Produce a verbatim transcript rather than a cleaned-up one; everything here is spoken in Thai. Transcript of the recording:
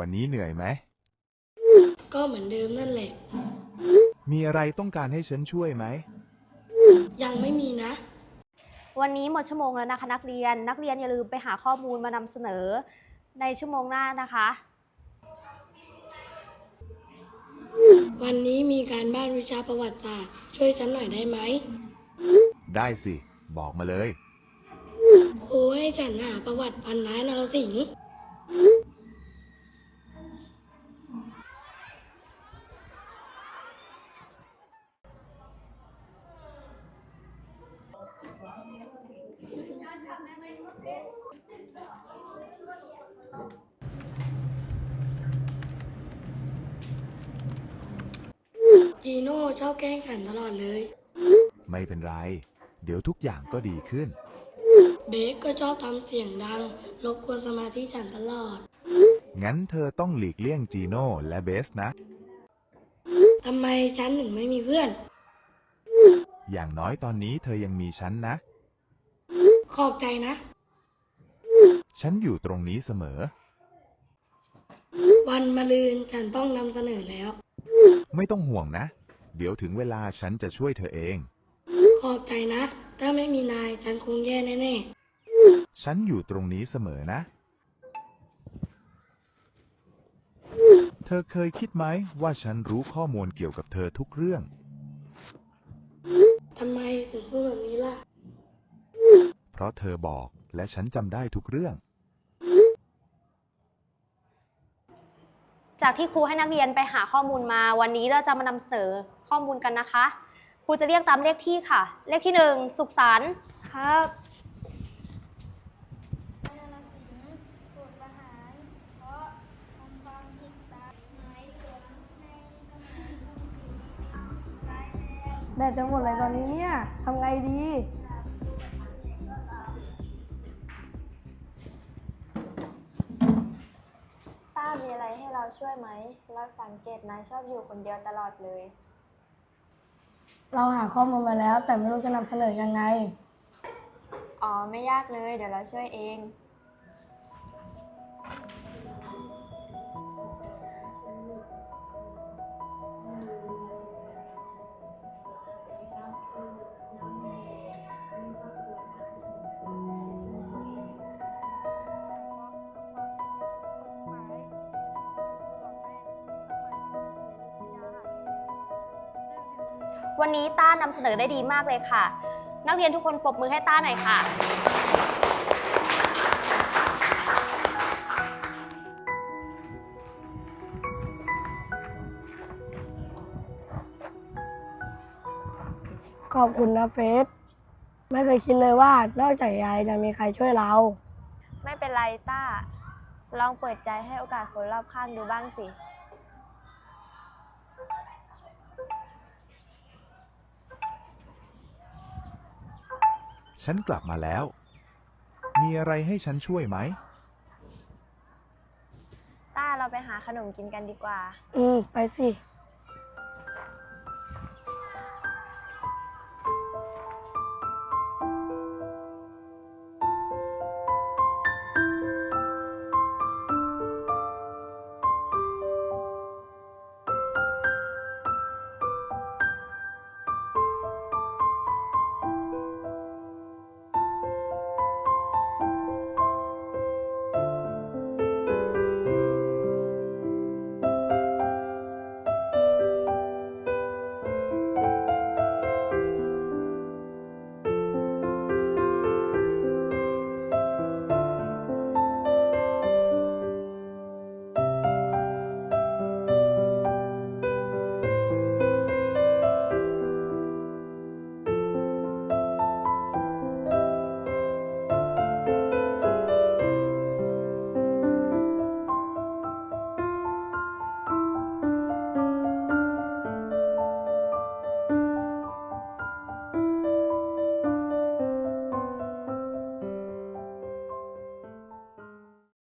วันนี้เหนื่อยไหมก็เหมือนเดิมนั่นแหละมีอะไรต้องการให้ฉันช่วยไหมยังไม่มีนะวันนี้หมดชั่วโมงแล้วนะคะนักเรียน นักเรียนอย่าลืมไปหาข้อมูลมานำเสนอในชั่วโมงหน้านะคะวันนี้มีการบ้านวิชาประวัติศาสตร์ช่วยฉันหน่อยได้ไหมได้สิ บอกมาเลยครูให้ฉันหาประวัติพันท้ายนรสิงห์จีโน่ชอบแกล้งฉันตลอดเลยไม่เป็นไร เดี๋ยวทุกอย่างก็ดีขึ้นเบคก็ชอบทำเสียงดังรบกวนสมาธิฉันตลอดงั้นเธอต้องหลีกเลี่ยงจีโน่และเบสนะทำไมฉันถึงไม่มีเพื่อนอย่างน้อยตอนนี้เธอยังมีฉันนะขอบใจนะฉันอยู่ตรงนี้เสมอวันมะรืนฉันต้องนำเสนอแล้วไม่ต้องห่วงนะ เดี๋ยวถึงเวลาฉันจะช่วยเธอเองขอบใจนะ ถ้าไม่มีนายฉันคงแย่แน่ๆฉันอยู่ตรงนี้เสมอนะ เธอเคยคิดไหมว่าฉันรู้ข้อมูลเกี่ยวกับเธอทุกเรื่องทำไมถึงพูดแบบนี้ล่ะเพราะเธอบอกและฉันจำได้ทุกเรื่องจากที่ครูให้นักเรียนไปหาข้อมูลมา วันนี้เราจะมานำเสนอข้อมูลกันนะคะ ครูจะเรียกตามเลขที่ค่ะ เลขที่หนึ่งสุขสันต์ครับนายนรสิงห์ถูกประหารเพราะทำความผิดตามหมายหลวงในสมัยกรุงศรีร้ายแรงแบตจะหมดเลยตอนนี้เนี่ยทำไงดีต้ามีอะไรให้เราช่วยไหม เราสังเกตนายชอบอยู่คนเดียวตลอดเลยเราหาข้อมูลมาแล้วแต่ไม่รู้จะนำเสนอยังไงอ๋อ ไม่ยากเลย เดี๋ยวเราช่วยเองวันนี้ต้านำเสนอได้ดีมากเลยค่ะ นักเรียนทุกคนปรบมือให้ต้าหน่อยค่ะขอบคุณนะเฟสไม่เคยคิดเลยว่านอกจากยายจะมีใครช่วยเราไม่เป็นไรต้า ลองเปิดใจให้โอกาสคนรอบข้างดูบ้างสิฉันกลับมาแล้ว มีอะไรให้ฉันช่วยไหมต้าเราไปหาขนมกินกันดีกว่าอืม ไปสิ